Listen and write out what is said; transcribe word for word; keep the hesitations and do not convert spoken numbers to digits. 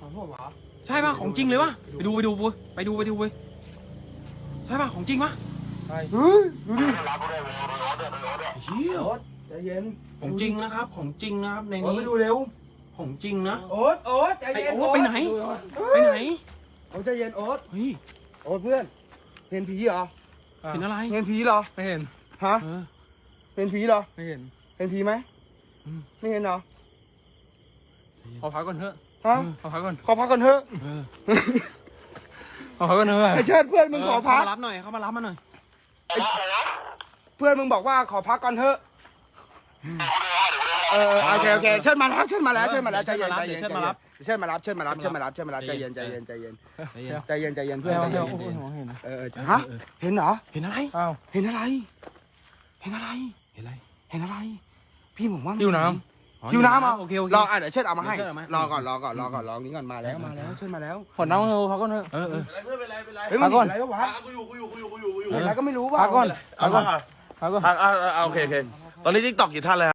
ของผมเหรอใช่ป่ะของจริงเลยวะไปดูไปดูไปดูไปดูไปใช่ป่ะของจริงปะเฮ้ยดูดิเฮียโอ๊ตใจเย็นของจริงนะครับของจริงนะครับในโอ๊ตนี้ไปดูเร็วของจริงนะโอ๊ตโอ๊ตใจไอ้เย็นโอ๊ตไปไหนไปไหนโอ๊ตใจเย็นโอ๊ตเฮ้ยโอ๊ตเพื่อนเห็นผีเหรอเห็นอะไรเห็นผีเหรอไม่เห็นฮะเออเห็นผีเหรอไม่เห็นเห็นผีไหมอืมไม่เห็นเหรอขอพักก่อนเถอะฮะขอพักก่อนขอพักก่อนเถอะเออขอพักก่อนเถอะไอ้เชิดเพื่อนมึงขอพักเข้ามารับหน่อยเข้ามารับมาหน่อยเพื่อนมึงบอกว่าขอพักก่อนเถอะเออโอเคโอเคเชิญมาแล้วเชิญมาแล้วเชิญมาแล้วใจเย็นใจเย็นเชิญมารับเชิญมารับเชิญมารับเชิญมารับเชิญมารับใจเย็นใจเย็นใจเย็นใจเย็นใจเย็นใจเย็นเพื่เพื่ออน นใจเพื่เย็อนนโอ้โหเห็นนะเออฮะเห็นเหรอเห็นอะไรอ้าวเห็นอะไร เห็นอะไรเห็นอะไรเห็นอะไร พี่ผมว่าหิวน้หิวน้ำเหรอโอเคโอเครออ่ะเดี๋ยวเชิญเอามาให้เดี๋ยวเชิญเอามารอก่อนรอก่อนรอก่อนรอนี้ก่อนมาแล้วมาแล้วเชิญมาแล้วำขอน้ำเถอะพักก่อนเถอะเออเออเพื่อนเป็นไรเป็นไรเฮ้ยพัมันกก่อนเห็นอะไรวะกูอยู่กูอยู่กูอยู่กูอยู่กูอยู่เห็นอะไรก็ไม่รู้ว่ะพักก่อนเอาพักก่อนก่อนพักก่อนอ่าอ่าโอเคโอเคตอนนี้ทิกตอกกี่ท่านแล้ว